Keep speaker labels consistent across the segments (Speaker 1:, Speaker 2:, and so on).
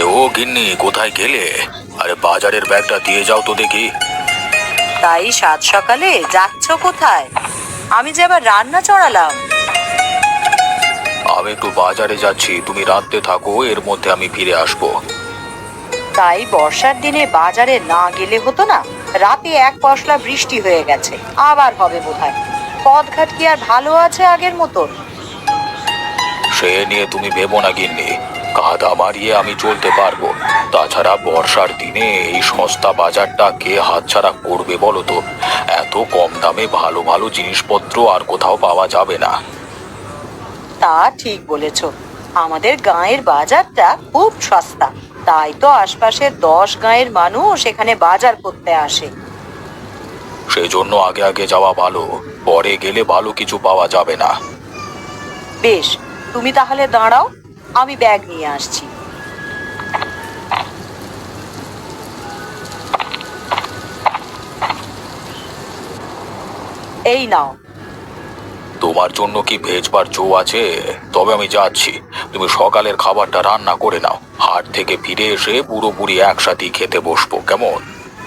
Speaker 1: ও গিন্নি, কোথায় গেলে? আরে বাজারের ব্যাগটা দিয়ে যাও তো দেখি।
Speaker 2: তাই সাত সকালে যাচ্ছ কোথায়? আমি যে আবার রান্না চড়ালাম।
Speaker 1: আমি একটু বাজারে যাচ্ছি, তুমি রাঁধতে থাকো, এর মধ্যে আমি ফিরে আসবো।
Speaker 2: তাই বর্ষার দিনে বাজারে না গেলে হতো না? রাতে এক পশলা বৃষ্টি হয়ে গেছে, আবার হবে বোধহয়। পথঘাট কি আর ভালো আছে আগের মতন?
Speaker 1: সে নিয়ে তুমি ভেবো না গিন্নি, কাদা মারিয়ে আমি চলতে পারবো। তাছাড়া বর্ষার দিনে এই সস্তা বাজারটা কে হাতছাড়া করবে বলো তো? এত কম দামে ভালো ভালো জিনিসপত্র আর কোথাও পাওয়া যাবে না।
Speaker 2: তা ঠিক বলেছ। আমাদের গাঁয়ের বাজারটা খুব সস্তা, তাই তো আশপাশের 10 গাঁয়ের মানুষ এখানে বাজার করতে আসে।
Speaker 1: সেই জন্য আগে আগে যাওয়া ভালো, পরে গেলে ভালো কিছু পাওয়া যাবে না।
Speaker 2: বেশ, তুমি তাহলে দাঁড়াও, আমি ব্যাগ নিয়ে আসছি। এই নাও।
Speaker 1: তোমার জন্য কি ভেজবার জো আছে? তবে আমি যাচ্ছি, তুমি সকালের খাবারটা রান্না করে নাও। হাট থেকে ফিরে এসে পুরোপুরি একসাথেই খেতে বসবো, কেমন?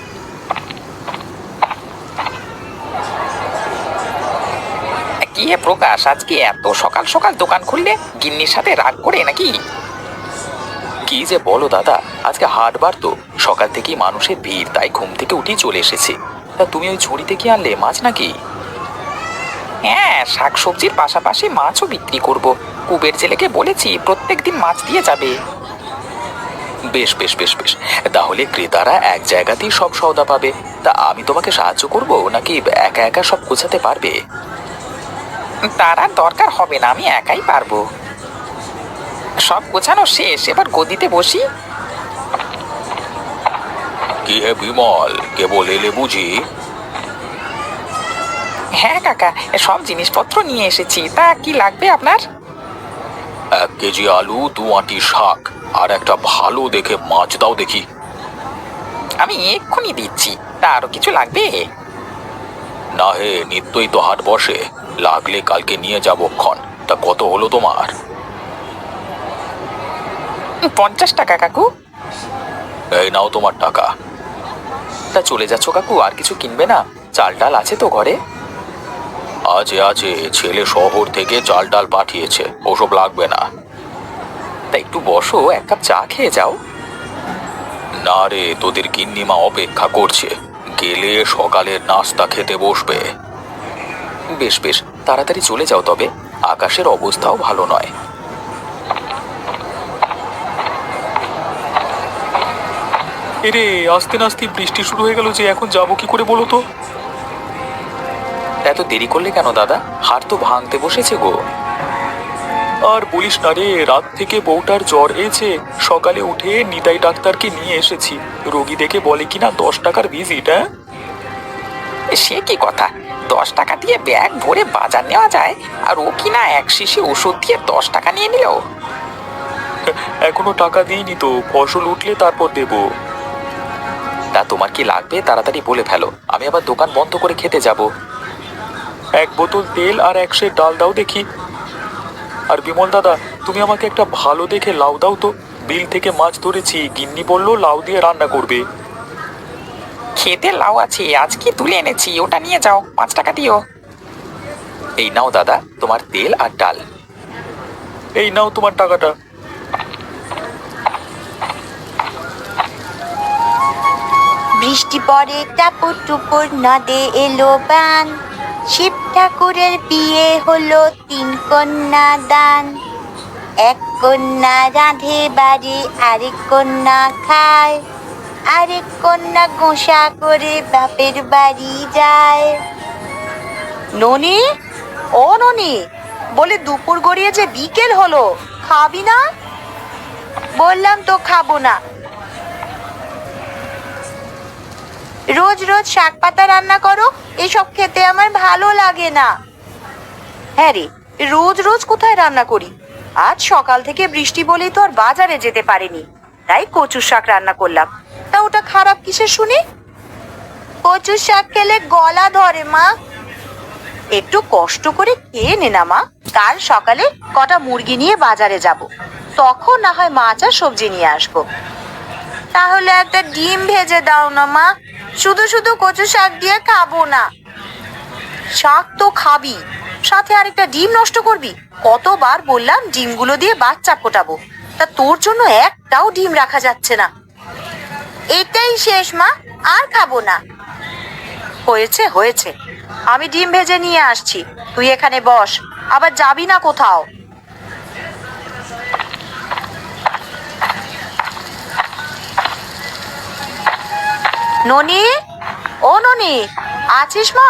Speaker 3: কি হে প্রকাশ, আজকে এত সকাল সকাল দোকান খুললে? গিন্নির সাথে রাগ করে নাকি?
Speaker 1: কি যে বলো দাদা, আজকে হাটবার তো, সকাল থেকেই মানুষের ভিড়, তাই ঘুম থেকে উঠেই চলে এসেছি। তা তুমি ওই ঝুড়িতে কি আনলে, মাছ নাকি?
Speaker 3: হ্যাঁ, শাকসবজির পাশাপাশি মাছও বিক্রি করব। কুবের জেলেকে বলেছি প্রত্যেকদিন মাছ দিয়ে যাবে।
Speaker 1: বেশ বেশ বেশ বেশ, তাহলে ক্রেতারা এক জায়গাতেই সব সওদা পাবে। তা আমি তোমাকে সাহায্য করব নাকি একা একা সব গোছাতে পারবে?
Speaker 3: তার আর দরকার হবে না, আমি একাই পারবো। সব গোছানো শেষ, এবার গদিতে বসি।
Speaker 1: কি হে বিমল, কেবল এলে বুঝি?
Speaker 3: হ্যাঁ কাকা, সব জিনিসপত্র নিয়ে এসেছি। তা কি লাগবে আপনার?
Speaker 1: 1 কেজি আলু, 2 আঁটি শাক, আর একটা ভালো দেখে মাছ দাও দেখি।
Speaker 3: আমি এক্ষুনি দিচ্ছি। তা আরো কিছু লাগবে?
Speaker 1: না হে, নিত্যই তো হাট বসে, লাগলে কালকে নিয়ে যাবো ক্ষণ। তা কত হলো তোমার?
Speaker 3: 50 টাকা কাকু।
Speaker 1: এই নাও তোমার টাকা। তা চলে যাচ্ছ কাকু, আর কিছু কিনবে না? চাল ডাল আছে তো ঘরে? আছে আছে, ছেলে শহর থেকে চাল ডাল পাঠিয়েছে, ওসব লাগবে না। তা একটু বসো, 1 কাপ চা খেয়ে যাও। না রে, তোদের গিন্নিমা অপেক্ষা করছে, গেলে সকালের নাস্তা খেতে বসবে। বেশ বেশ, তাড়াতাড়ি চলে যাও তবে, আকাশের অবস্থাও ভালো নয়। এরে, আস্তে নাস্তে বৃষ্টি শুরু হয়ে গেল যে, এখন যাবো কি করে বলো তো? এত দেরি করলে কেন দাদা? হাট তো ভাঙতে বসেছে গো। আর বলিস না রে, রাত থেকে বউটার জ্বর হয়েছে, সকালে উঠে নিতাই ডাক্তারকে নিয়ে এসেছি। রোগী দেখে বলে কিনা 10 টাকার ভিজিট। হ্যাঁ,
Speaker 3: সে কি কথা? 10 টাকা দিয়ে ব্যাগ ভরে বাজার নেওয়া যায়, আর ও কিনা এক শিশি ওষুধ দিয়ে 10 টাকা নিয়ে নিল।
Speaker 1: এখনো টাকা দিইনি তো, ফসল উঠলে তারপর দেব। তা তোমার কি লাগবে তাড়াতাড়ি বলে ফেলো, আমি আবার দোকান বন্ধ করে খেতে যাব। 1 বোতল তেল আর 1 সের ডাল দাও দেখি। আর বিমল দাদা, তুমি আমাকে একটা ভালো দেখে লাউ দাও তো। বিল থেকে মাছ ধরেছি, গিন্নি বললো লাউ দিয়ে রান্না করবে।
Speaker 3: খেতে লাউ আছে, আজ কি তুলে এনেছি, ওটা নিয়ে যাও, 5 টাকা দিও।
Speaker 1: এই নাও দাদা, তোমার তেল আর ডাল। এই নাও তোমার টাকাটা।
Speaker 4: বৃষ্টি পড়ে টাপুর টুপুর, নদে এলো বান। শিব ঠাকুরের বিয়ে হলো 3 কন্যা দান। 1 কন্যা রাঁধে বাড়ি, আরেক কন্যা খায়, আরেক কন্যা গোসা করে বাপের বাড়ি যায়।
Speaker 2: ননি, ও ননি, বলে দুপুর গড়িয়ে যে বিকেল হলো, খাবি না?
Speaker 4: বললাম তো খাবো না। রোজ রোজ শাক পাতা রান্না করো, এসব খেতে আমার ভালো লাগে না।
Speaker 2: হ্যাঁ রে, রোজ রোজ কোথায় রান্না করি? আজ সকাল থেকে বৃষ্টি বলেই তো আর বাজারে যেতে পারিনি, তাই কচুর শাক রান্না করলাম। তা ওটা খারাপ কিসের শুনি?
Speaker 4: কচুর শাক খেলে গলা ধরে মা।
Speaker 2: একটু কষ্ট করে খেয়ে নে না মা। কাল সকালে কটা মুরগি নিয়ে বাজারে যাব, তখন না হয় মাছ আর সবজি নিয়ে আসবো।
Speaker 4: তাহলে একটা ডিম ভেজে দাও না মা, শুধু শুধু কচু শাক দিয়ে খাবো না।
Speaker 2: শাক তো খাবি, সাথে আরেকটা ডিম নষ্ট করবি? কতবার বললাম ডিমগুলো দিয়ে বাচ্চা ফোটাবো, তা তোর জন্য একটাও ডিম রাখা যাচ্ছে না।
Speaker 4: এটাই শেষ মা, আর খাবো না।
Speaker 2: হয়েছে হয়েছে, আমি ডিম ভেজে নিয়ে আসছি, তুই এখানে বস, আবার যাবি না কোথাও। ননি, ও ননি, আছিস মা?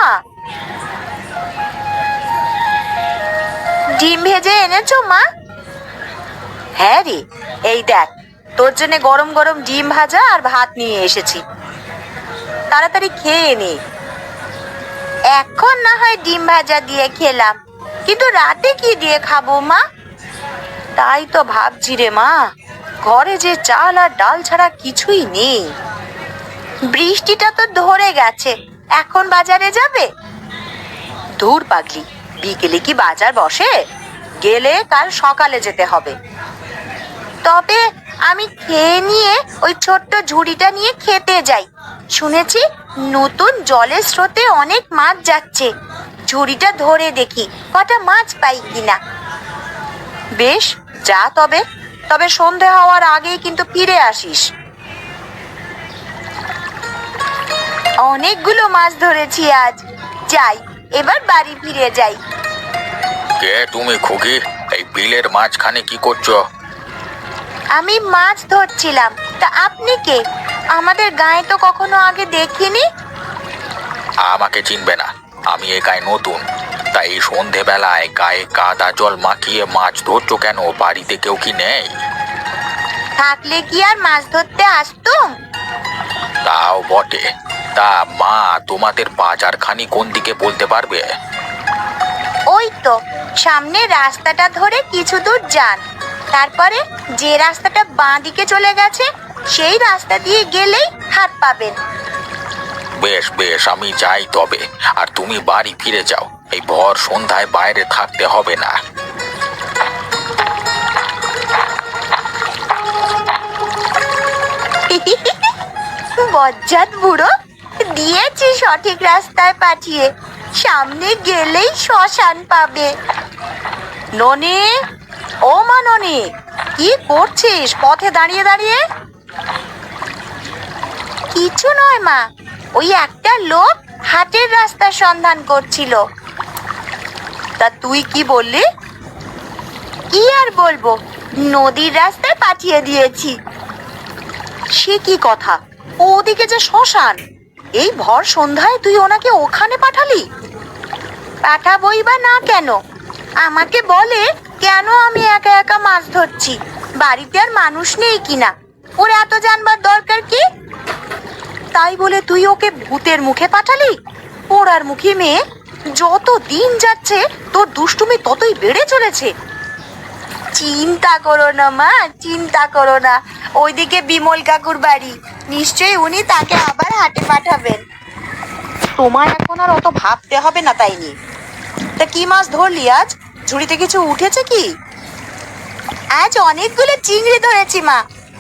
Speaker 4: ডিম ভেজে এনেছো মা?
Speaker 2: হ্যাঁ রে, এই দেখ তোর জন্য গরম গরম ডিম ভাজা আর ভাত নিয়ে এসেছি, তাড়াতাড়ি খেয়ে নে।
Speaker 4: এখন না হয় ডিম ভাজা দিয়ে খেলাম, কিন্তু রাতে কি দিয়ে খাবো মা?
Speaker 2: তাই তো ভাবছি রে মা, ঘরে যে চাল আর ডাল ছাড়া কিছুই নেই।
Speaker 4: বৃষ্টিটা তো ধরে গেছে, এখন বাজারে যাবে?
Speaker 2: দূর পাগলি, বিকেলে কি বাজার বসে? গেলে কাল সকালে যেতে হবে।
Speaker 4: তবে আমি খেয়ে নিয়ে ওই ছোট্ট ঝুড়িটা নিয়ে খেতে যাই। শুনেছি নতুন জলের স্রোতে অনেক মাছ যাচ্ছে, ঝুড়িটা ধরে দেখি কটা মাছ পাই কিনা।
Speaker 2: বেশ, যা তবে, তবে সন্ধে হওয়ার আগেই কিন্তু ফিরে আসিস।
Speaker 4: অনেকগুলো মাছ ধরেছি আজ, যাই এবার বাড়ি ফিরে যাই।
Speaker 1: কে তুমি খুকি? এই বিলের মাঝখানে কি করছো?
Speaker 4: আমি মাছ ধরছিলাম, তা আপনি কে? আমাদের গায়ে তো কখনো আগে দেখিনি।
Speaker 1: আমাকে চিনবে না, আমি এই গায়ে নতুন। তাই এই সন্ধেবেলায় গায়ে কাদা জল মাখিয়ে মাছ ধরছো কেন? বাড়িতে কেউ কি নেই?
Speaker 4: থাকলে কি আর মাছ ধরতে আসতুম?
Speaker 1: তাও বটে। তা মা, তোমাদের বাজারখানি কোন দিকে বলতে পারবে?
Speaker 4: ওই তো সামনে রাস্তাটা ধরে কিছু দূর যান, তারপরে যে রাস্তাটা বাঁ দিকে চলে গেছে সেই রাস্তা দিয়ে গেলেই হাত পাবেন।
Speaker 1: বেশ বেশ, আমি যাই তবে। আর তুমি বাড়ি ফিরে যাও, এই ভর সন্ধ্যায় বাইরে থাকতে হবে না।
Speaker 4: বজ্জাত বুড়ো, দিয়েছি সঠিক রাস্তায় পাঠিয়ে, সামনে গেলেই শ্মশান পাবে।
Speaker 2: ননি, ও মা ননি, কি করছিস পথে দাঁড়িয়ে দাঁড়িয়ে?
Speaker 4: কিছু নয় মা, ওই একটা লোক হাটের রাস্তার সন্ধান করছিল।
Speaker 2: তা তুই কি বললি?
Speaker 4: কি আর বলবো, নদীর রাস্তায় পাঠিয়ে দিয়েছি।
Speaker 2: সে কি কথা? ওদিকে যে শ্মশান, এই ভর সন্ধ্যায় তুই ওনাকে ওখানে পাঠালি?
Speaker 4: পাঠাবই বা না কেন? আমাকে বলে কেন আমি একা একা মাছ ধরছি, বাড়িতে আর মানুষ নেই কিনা, ওর এত জানবার দরকার কি?
Speaker 2: তাই বলে তুই ওকে ভূতের মুখে পাঠালি? পোড়ার মুখী মেয়ে, যত দিন যাচ্ছে তোর দুষ্টুমি ততই বেড়ে চলেছে।
Speaker 4: চিন্তা করো না মা, চিন্তা করো না, ওইদিকে বিমল কাকুর বাড়ি, নিশ্চয়ই উনি তাকে আবার হাটে পাঠাবেন।
Speaker 2: তোমায় এখন আর অত ভাবতে হবে না তাই নিয়ে। তা কি মাছ ধরলি আজ? ঝুড়িতে কিছু উঠেছে কি?
Speaker 4: আজ অনেকগুলো চিংড়ি ধরেছি মা।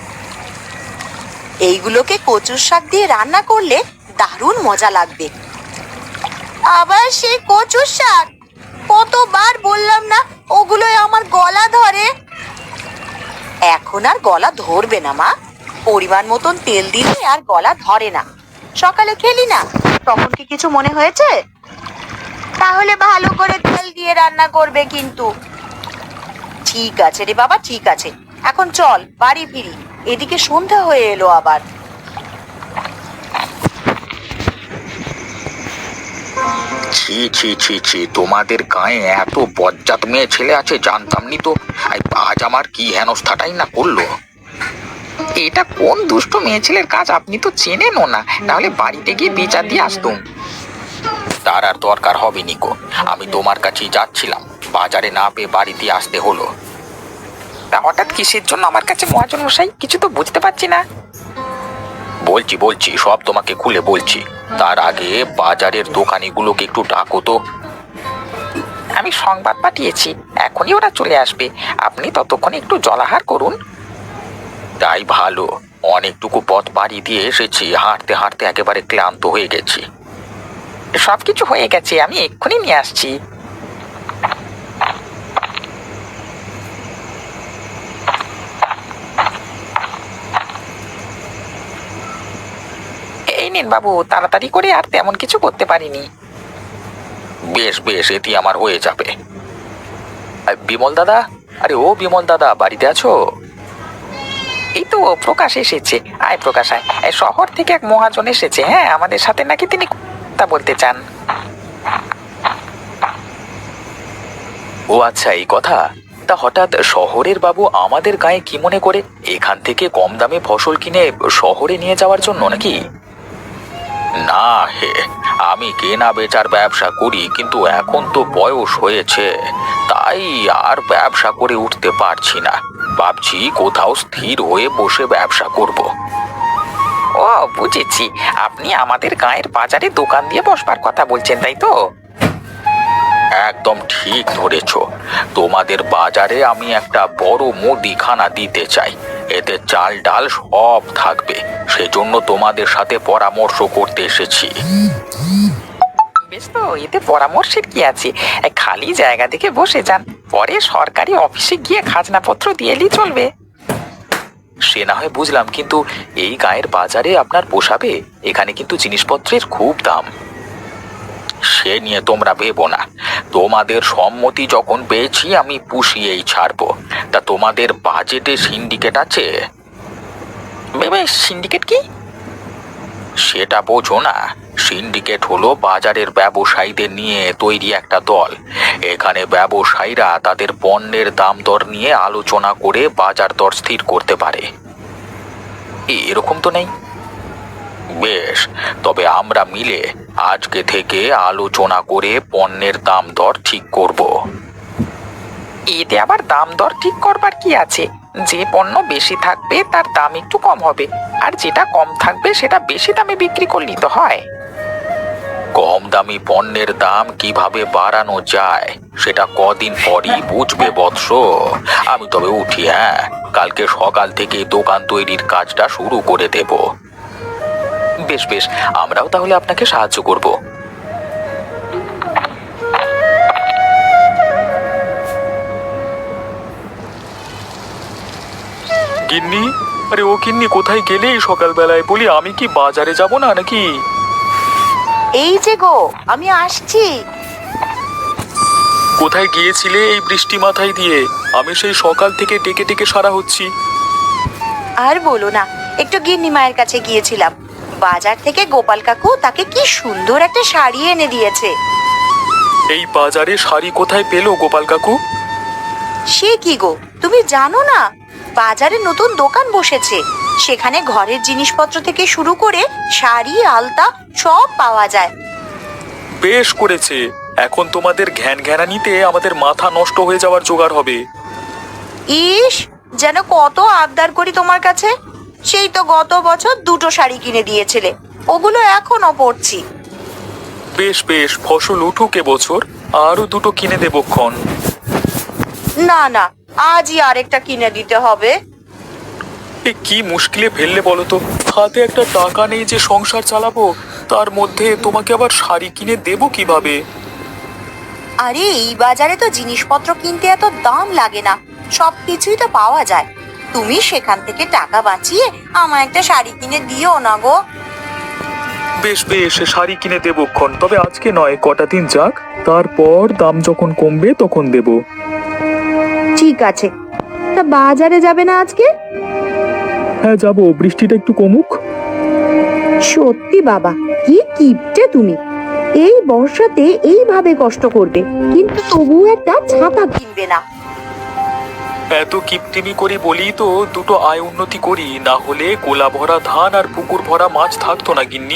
Speaker 2: এইগুলোকে কচুর শাক দিয়ে রান্না করলে দারুণ মজা লাগবে।
Speaker 4: আবার সেই কচুর শাক? কতবার বললাম না ওগুলোই আমার গলা ধরে।
Speaker 2: এখন আর গলা ধরবে না মা, পরিমাণ মতন তেল দিলে আর গলা ধরে না। সকালে খেলি না, তখন কি কিছু মনে হয়েছে?
Speaker 4: তাহলে ভালো করে তেল দিয়ে রান্না করবে কিন্তু।
Speaker 2: ঠিক আছে রে বাবা, ঠিক আছে, এখন চল বাড়ি ফিরি, এদিকে সন্ধ্যা হয়ে এলো আবার।
Speaker 1: ছি ছি ছি ছি, তোমাদের গায়ে এত বজ্জাত মেয়ে ছেলে আছে জানতাম নি তো। আজ আমার কি হেনস্থাটাই না করলো।
Speaker 3: এটা কোন দুষ্ট মেয়ে ছেলের কাজ আপনি তো চেনেনও না, তাহলে বাড়িতে গিয়ে বিচার দিয়ে আসতুম।
Speaker 1: তার আর দরকার হবে নিকো, আমি তোমার কাছেই যাচ্ছিলাম, বাজারে না পেয়ে বাড়িতে আসতে হলো।
Speaker 3: তা হঠাৎ কিসের জন্য আমার কাছে মহাজন মশাই, কিছু তো বুঝতে পারছি না।
Speaker 1: বলছি বলছি, সব তোমাকে খুলে বলছি। তার আগে বাজারের দোকানিগুলোকে একটু ডাকো তো।
Speaker 3: আমি সংবাদ পাঠিয়েছি, এখনই ওরা চলে আসবে। আপনি ততক্ষণে একটু জলাহার করুন।
Speaker 1: তাই ভালো, অনেকটুকু পথ পাড়ি দিয়ে এসেছি, হাঁটতে হাঁটতে একেবারে ক্লান্ত হয়ে গেছি।
Speaker 3: সবকিছু হয়ে গেছে, আমি এক্ষুনি নিয়ে আসছি। এই নিন বাবু, তাড়াতাড়ি করে, আর তেমন কিছু করতে পারিনি।
Speaker 1: বেশ বেশ, এটি আমার হয়ে যাবে। বিমল দাদা, আরে ও বিমল দাদা, বাড়িতে আছো?
Speaker 3: এই তো প্রকাশ এসেছে। আয় প্রকাশ আয়। এই শহর থেকে এক মহাজন এসেছে, হ্যাঁ, আমাদের সাথে নাকি তিনি কথা বলতে চান।
Speaker 1: ও আচ্ছা, এই কথা। তা হঠাৎ শহরের বাবু আমাদের গায়ে কি মনে করে এখান থেকে কম দামে ফসল কিনে শহরে নিয়ে যাওয়ার জন্য নাকি? না হে, আমি কেনা বেচার ব্যবসা করি, কিন্তু এখন তো বয়স হয়েছে, তাই আর ব্যবসা করে উঠতে পারছি না। ভাবছি কোথাও স্থির হয়ে বসে ব্যবসা করব।
Speaker 3: ও বুঝেছি, আপনি আমাদের গায়ের বাজারে দোকান দিয়ে বসবার কথা বলছেন, তাই তো?
Speaker 1: একদম ঠিক ধরেছ। তোমাদের বাজারে আমি একটা বড় মুদিখানা দিতে চাই, এতে চাল ডাল সব থাকবে। সেজন্য তোমাদের সাথে পরামর্শ করতে এসেছি।
Speaker 3: বেশ, তো এতে পরামর্শের কি আছে? খালি জায়গা দেখে বসে যান, পরে সরকারি অফিসে গিয়ে খাজনাপত্র দিয়ে এলেই চলবে।
Speaker 1: সে না হয় বুঝলাম, কিন্তু এই গায়ের বাজারে আপনার পোষাবে? এখানে কিন্তু জিনিসপত্রের খুব দাম। সে নিয়ে তোমরা ভেবো না, তোমাদের সম্মতি যখন পেয়েছি আমি পুষিয়েই ছাড়বো। তা তোমাদের বাজেটে সিন্ডিকেট আছে?
Speaker 3: সিন্ডিকেট কি?
Speaker 1: সেটা বোঝো না? সিন্ডিকেট হলো বাজারের ব্যবসায়ীদের নিয়ে তৈরি একটা দল। এখানে ব্যবসায়ীরা তাদের পণ্যের দাম দর নিয়ে আলোচনা করে বাজার দর স্থির করতে পারে। এরকম তো নেই। বেশ, তবে আমরা মিলে আজকে থেকে আলোচনা করে পণ্যের দাম দর ঠিক করব।
Speaker 3: এতে আবার দাম দর ঠিক করবার কি আছে? যে পণ্য বেশি থাকবে তার দাম একটু কম হবে, আর যেটা কম থাকবে সেটা বেশি দামে বিক্রি করলেই তো হয়।
Speaker 1: কম দামি পণ্যের দাম কিভাবে বাড়ানো যায় সেটা কদিন পরই বুঝবে বৎস। আমি তবে উঠি, হ্যাঁ, কালকে সকাল থেকে দোকান তৈরির কাজটা শুরু করে দেব। বেশ বেশ, আমরাও তাহলে আপনাকে সাহায্য করব। গিন্নি, আরে ও গিন্নি, কোথায় গেলে এই সকালবেলায়? বলি, আমি কি বাজারে যাব না নাকি?
Speaker 2: এই যে গো, আমি আসছি।
Speaker 1: কোথায় গিয়েছিলে এই বৃষ্টি মাথায় দিয়ে? আমি সেই সকাল থেকে ডেকে ডেকে সারা হচ্ছি।
Speaker 2: আর বলো না, একটু গিন্নি মায়ের কাছে গিয়েছিলাম। বাজার থেকে গোপাল কাকু তাকে কি সুন্দর একটা শাড়ি এনে দিয়েছে।
Speaker 1: এই বাজারে শাড়ি কোথায় পেলো গোপাল কাকু?
Speaker 2: সে কি গো, তুমি জানো না? বাজারে নতুন দোকান বসেছে, সেখানে ঘরের জিনিসপত্র থেকে শুরু করে শাড়ি আলতা সব পাওয়া যায়।
Speaker 1: বেশ করেছে, এখন তোমাদের ঘ্যান ঘ্যানানিতে আমাদের মাথা নষ্ট হয়ে যাওয়ার জোগাড় হবে।
Speaker 2: ইস, যেন কত আবদার করি তোমার কাছে। সেই তো গত বছর 2টো শাড়ি কিনে দিয়েছিলে, ওগুলো এখনো পরছি।
Speaker 1: বেশ বেশ, ফসল উঠুক এবছর, আরো 2টো কিনে দেবক্ষণ।
Speaker 2: না না, আজই আরেকটা কিনে দিতে হবে।
Speaker 1: এ কি মুশকিলে ফেললে বলো তো? হাতে একটা টাকা নেই যে সংসার চালাবো, তার মধ্যে তোমাকে আবার শাড়ি কিনে দেবো কিভাবে?
Speaker 2: আরে এই বাজারে তো জিনিসপত্র কিনতে এত দাম লাগে না, সব কিছুই তো পাওয়া যায়। তুমি সেখান থেকে টাকা বাঁচিয়ে আমায় একটা শাড়ি কিনে দিও না গো।
Speaker 1: বেশ বেশ, শাড়ি কিনে দেবক্ষণ, তবে আজকে নয়, কটা দিন যাক, তারপর দাম যখন কমবে তখন দেব।
Speaker 2: ঠিক আছে, তা বাজারে যাবে না আজকে?
Speaker 1: হ্যাঁ যাবো, বৃষ্টিটা একটু কমুক।
Speaker 2: সত্যি বাবা, কি কিপটে তুমি! এই বর্ষাতে এইভাবে কষ্ট করবে, কিন্তু তবুও একটা ছাতা কিনবে না।
Speaker 1: এত কিপটিমি করি বলি তো 2টো আয় উন্নতি করি, না হলে গোলা ভরা ধান আর পুকুর ভরা মাছ থাকতো না গিন্নি।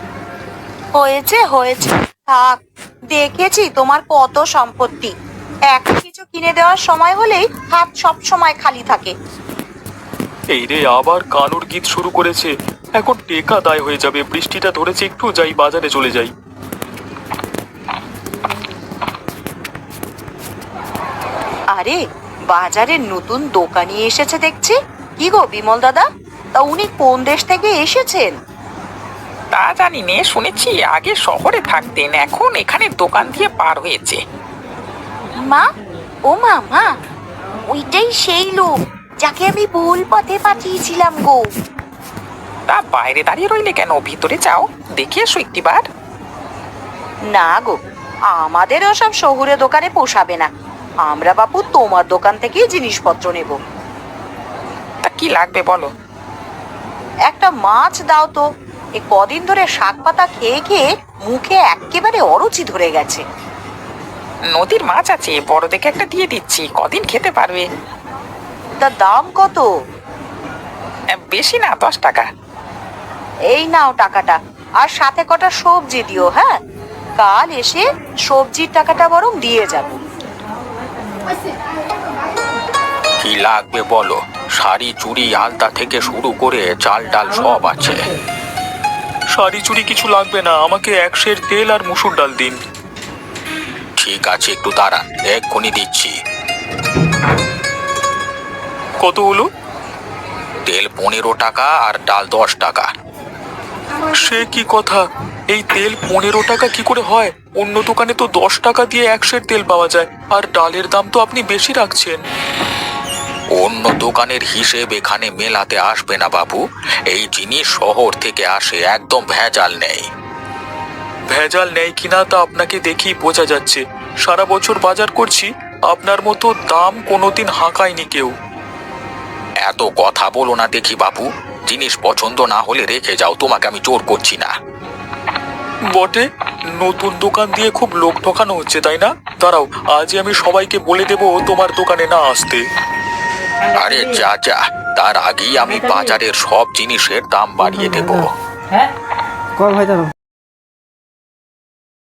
Speaker 2: হয়েছে হয়েছে, থাক। দেখেছি তোমার কত সম্পত্তি, এখন কিছু কিনে দেওয়ার সময় হলেই হাত সব সময় খালি থাকে।
Speaker 1: এই রে, আবার কানুর গীত শুরু করেছে। এখন টেকা দায় হয়ে যাবে। বৃষ্টিটা ধরেছে, একটু যাই, বাজারে চলে যাই।
Speaker 2: আরে বাজারের নতুন দোকানি এসেছে দেখছি। কি গো বিমল দাদা, তা উনি কোন দেশ থেকে এসেছেন?
Speaker 3: তা জানি নে, শুনেছি আগে শহরে থাকতেন, এখন এখানে দোকান দিয়ে পার হয়েছে।
Speaker 4: মা, ও মা, ওইটাই সেই লোক যাকে আমি ভুল পথে পাঠিয়েছিলাম গো।
Speaker 3: তা বাইরে দাঁড়িয়ে রইলে কেন, ভিতরে যাও, দেখে এসো একটিবার।
Speaker 2: না গো, আমাদের ওসব শহুরে দোকানে পোষাবে না। আমরা বাপু তোমার দোকান থেকেই জিনিসপত্র নেব।
Speaker 3: তা কি লাগবে বলো?
Speaker 2: একটা মাছ দাও তো। এ কদিন ধরে শাক পাতা খেয়ে খেয়ে মুখে একেবারে অরুচি ধরে গেছে।
Speaker 3: নদীর মাছ আছে, বড় দেখে একটা দিয়ে দিচ্ছি, কদিন খেতে পারবে।
Speaker 2: তা দাম কত?
Speaker 3: বেশি না, 10 টাকা।
Speaker 2: এই নাও টাকাটা, আর সাথে কটা সবজি দিও। হ্যাঁ, কাল এসে সবজির টাকাটা বরং দিয়ে যাবো।
Speaker 1: কি লাগবে বলো? শাড়ি চুড়ি আলতা থেকে শুরু করে চাল ডাল সব আছে। শাড়ি চুড়ি কিছু লাগবে না, আমাকে 1 সের তেল আর মুসুর ডাল দিন। ঠিক আছে, একটু দাঁড়ান, এক্ষুনি দিচ্ছি। কত হলো? তেল 15 টাকা আর ডাল 10 টাকা। সে কি কথা, এই তেল 15 টাকা কি করে হয়? অন্য দোকানে তো 10 টাকা দিয়ে 1 সের তেল পাওয়া যায়, আর ডালের দাম তো আপনি বেশি রাখছেন। অন্য দোকানের হিসেব এখানে মেলাতে আসবে না বাবু। এই জিনিস শহর থেকে আসে, একদম ভেজাল নেই। ভেজাল নেই কিনা তা আপনাকে দেখেই বোঝা যাচ্ছে। সারা বছর বাজার করছি, আপনার মতো দাম কোনোদিন হাঁকায়নি কেউ। এত কথা বলো না দেখি বাবু, জিনিস পছন্দ না হলে রেখে যাও, তোমাকে আমি জোর করছি না। বটে, নতুন দোকান দিয়ে খুব লোক ঠকানো হচ্ছে, তাই না? দাঁড়াও, আজই আমি সবাইকে বলে দেবো তোমার দোকানে না আসতে। আরে যা যা, তার আগেই আমি বাজারের সব জিনিসের দাম বাড়িয়ে দেবো।
Speaker 5: কয় ভাই দাঁড়াও।